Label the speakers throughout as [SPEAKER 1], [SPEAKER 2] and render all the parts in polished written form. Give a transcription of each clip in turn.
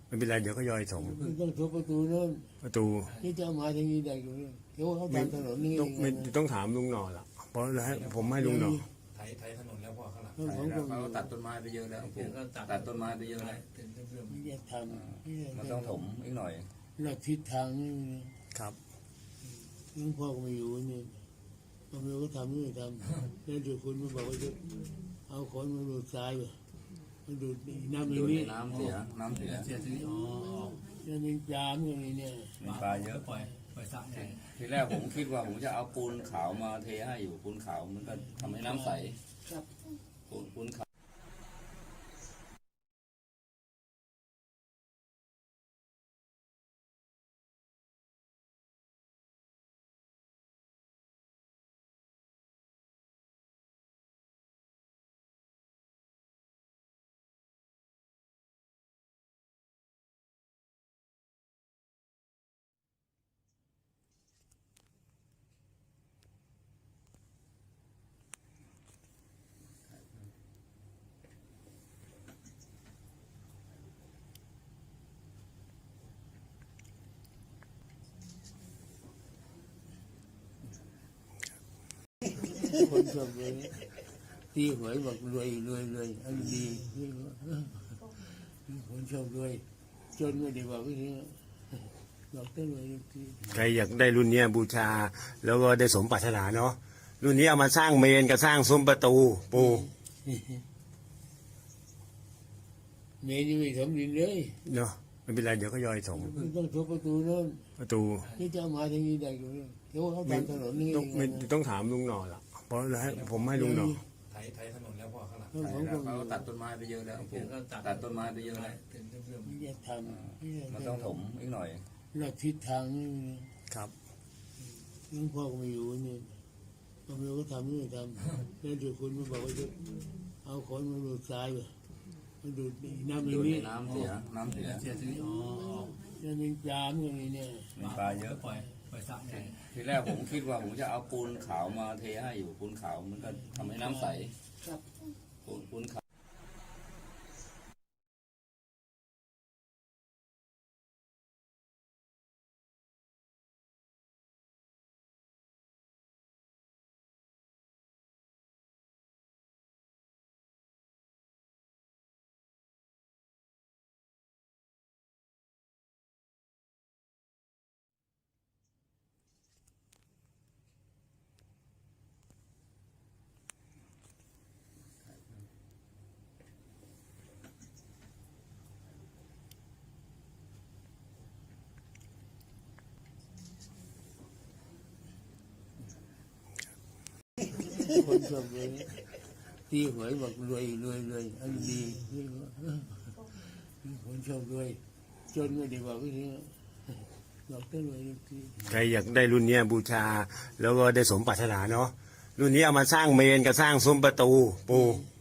[SPEAKER 1] ไม่เป็นไรเดี๋ยวก็ย่อยส่ง
[SPEAKER 2] ต้องทุบประตูนู้น
[SPEAKER 1] ประตู
[SPEAKER 2] ที่จะมาทางนี้ได้อยู่เดี๋ยวเขาทำถนนนี่
[SPEAKER 1] ต้องถามลุงหน่อละเพราะให้ผมให้ลุงหน่อ
[SPEAKER 3] ไถถนนแล้วพ่อข้างหลัง
[SPEAKER 4] เขาตัดต้นไม้ไปเยอะแล้วตัดต้นไม้ไปเยอะแล้ว
[SPEAKER 2] ไม่จะทำ
[SPEAKER 4] มันต้องถมอีกหน่อย
[SPEAKER 2] หลักทิศทางนี่
[SPEAKER 1] ครับ
[SPEAKER 2] หลวงพ่อก็ไม่อยู่นี่ตำรวจก็ทำนี่ทำแล้วเดี๋ยวคุณมาบอกว่าจะเอาคนมาดูดทรายมาดูดน้ำในนี้
[SPEAKER 4] น้ำเสีย
[SPEAKER 2] แล้วมีปลาอย่างนี้เนี่ย
[SPEAKER 4] มีปลาเยอะ
[SPEAKER 3] ปล่อยสระใหญ่
[SPEAKER 4] ทีแรกผมคิดว่าผมจะเอาปูนขาวมาเทให้อยู่ปูนขาวมันก็ทำให้น้ำใสปูนขาว
[SPEAKER 2] คนชอบเลยตีหวยบอกรวยอันดีคนชอบรวยจนไม่ได้บอกว่านี้บอกได้รวย
[SPEAKER 1] ใครอยากได้รุ่นนี้บูชาแล้วก็ได้สมปรารถนาเนาะรุ่นนี้เอามาสร้างเมนกับสร้างซุ้มประตูปู
[SPEAKER 2] เมนยังไม่สมดินเลย
[SPEAKER 1] เนาะไม่เป็นไรเดี๋ยวก็ย่อยส่ง
[SPEAKER 2] ต้องทุบประตูนู้น
[SPEAKER 1] ประตู
[SPEAKER 2] ที่จะมาทางนี้ได้อยู่เดี๋ยวเขาทำถนนนี่
[SPEAKER 1] ต้องถามลุงหน่อละเพราะให้ผมให้ลุงหน่อ
[SPEAKER 3] ไถถนนแล้วพ่อข้างหลัง
[SPEAKER 4] เขาตัดต้นไม้ไปเยอะแล้วตัดต้นไม้ไปเยอะแล้ว
[SPEAKER 2] ไม่จะทำ
[SPEAKER 4] มันต้องถมอีกหน่อย
[SPEAKER 2] หลักทิศทางนี่
[SPEAKER 1] ครับ
[SPEAKER 2] หลวงพ่อก็ไม่อยู่นี่ตำรวจก็ทำนี่ทำแล้วเดี๋ยวคุณมาบอกว่าจะเอาคนมาดูดทรายมาดูดน้ำในนี้
[SPEAKER 4] น้ำเสีย
[SPEAKER 2] แล้วมีปลาอย่างนี้เนี่ย
[SPEAKER 4] มีปลาเยอะ
[SPEAKER 3] ปล่อยสระใหญ่
[SPEAKER 4] ทีแรกผมคิดว่าผมจะเอาปูนขาวมาเทให้อยู่ปูนขาวมันก็ทำให้น้ำใสปูนขาว
[SPEAKER 2] คนชอบเลยตีหวยบอกรวยอันดีคนชอบรวยจนไม่ได้บอกว่านี้บอกได้รวย
[SPEAKER 1] ใครอยากได้รุ่นนี้บูชาแล้วก็ได้สมปรารถนาเนาะรุ่นนี้เอามาสร้างเมนกับสร้างซุ้มประตูปู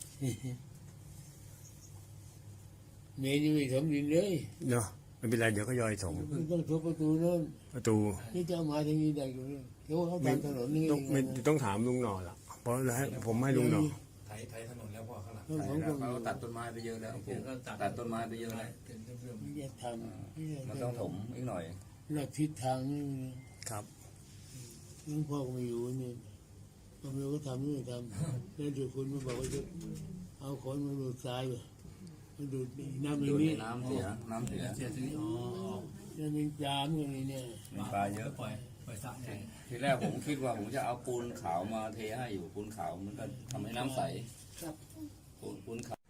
[SPEAKER 2] เมนยังไม่สมดินเลย
[SPEAKER 1] เนาะไม่เป็นไรเดี๋ยวก็ย่อยส่ง
[SPEAKER 2] ต้องทุบประตูนู้น
[SPEAKER 1] ประตู
[SPEAKER 2] ที่จะมาทางนี้ได้อยู่เดี๋ยวเขาทำถนนนี่
[SPEAKER 1] ต้องถามลุงหน่อละเพราะให้ผมให้ลุงหน่อ
[SPEAKER 3] ไถถนนแล้วพ่อข้างหลัง
[SPEAKER 4] เขาตัดต้นไม้ไปเยอะแล้วตัดต้นไม้ไปเยอะแล้ว
[SPEAKER 2] ไม่จะทำ
[SPEAKER 4] มันต้องถมอีกหน่อย
[SPEAKER 2] หลักทิศทางนี่
[SPEAKER 1] ครับ
[SPEAKER 2] หลวงพ่อก็ไม่อยู่นี่ตำรวจก็ทำนี่ทำแล้วเดี๋ยวคุณมาบอกว่าจะเอาคนมาดูดทรายมาดูดน้ำในนี้
[SPEAKER 4] น้ำเสีย
[SPEAKER 2] แล้วมีปลาอย่างนี้เนี่ย
[SPEAKER 4] มีปลาเยอะ
[SPEAKER 3] ปล่อยสระใหญ่
[SPEAKER 4] ทีแรกผมคิดว่าผมจะเอาปูนขาวมาเทให้อยู่ปูนขาวมันก็ทำให้น้ำใสปูนขาว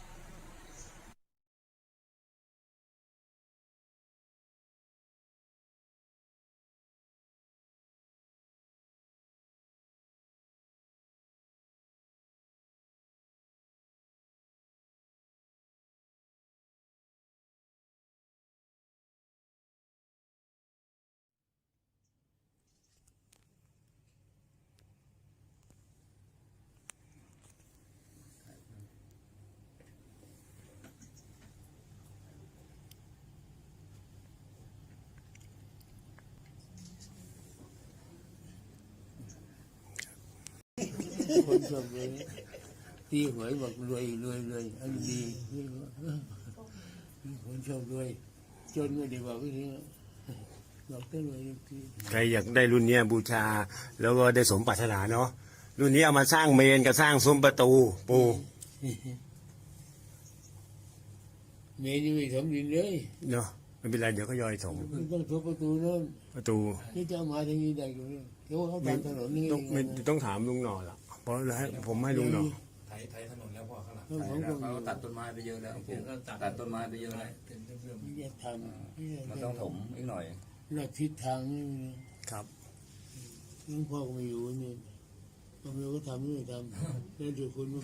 [SPEAKER 2] คนชอบเลยตีหวยบอกรวยอันดีคนชอบรวยจนไม่ได้บอกก็ทีบอกได้รวยทุกที
[SPEAKER 1] ใครอยากได้รุ่นเนี้ยบูชา แล้วก็ได้สมปรารถนาเนาะรุ่นนี้เอามาสร้างเมนกับสร้างซุ้มประตูปู
[SPEAKER 2] เมย์ยังไม่ถมดินเลย
[SPEAKER 1] เนาะไม่เป็นไรเดี๋ยวก็ย่อยถม
[SPEAKER 2] มันต้องทุบประตูโน่น
[SPEAKER 1] ประตู
[SPEAKER 2] ที่จะเอามาทางนี้ได้ก็ไม่รู้เดี๋ยวเขาตามถนนนี่
[SPEAKER 1] ต้องไม่ต้องถามลุงหน่อละเพราะให้ผมให้ลุงหน่อ
[SPEAKER 3] ไถถนนแล้วพ่อข้างหลัง
[SPEAKER 2] ต้อง
[SPEAKER 4] ใช่
[SPEAKER 2] ของ
[SPEAKER 4] แล้ว
[SPEAKER 2] ก็
[SPEAKER 4] เขาตัดต้นไม้ไปเยอะแล้วปลูกตัดต้นไม้ไปเยอะแล้ว
[SPEAKER 2] ไม่ได้ทำไม่ได้
[SPEAKER 4] มันต้องถมอีกหน่อย
[SPEAKER 2] เลือกทิศทางนี่
[SPEAKER 1] ครับ
[SPEAKER 2] หลวงพ่อก็ไม่อยู่นี่บางทีก็ทำไม่ทำแล้วเดี๋ยวคุณ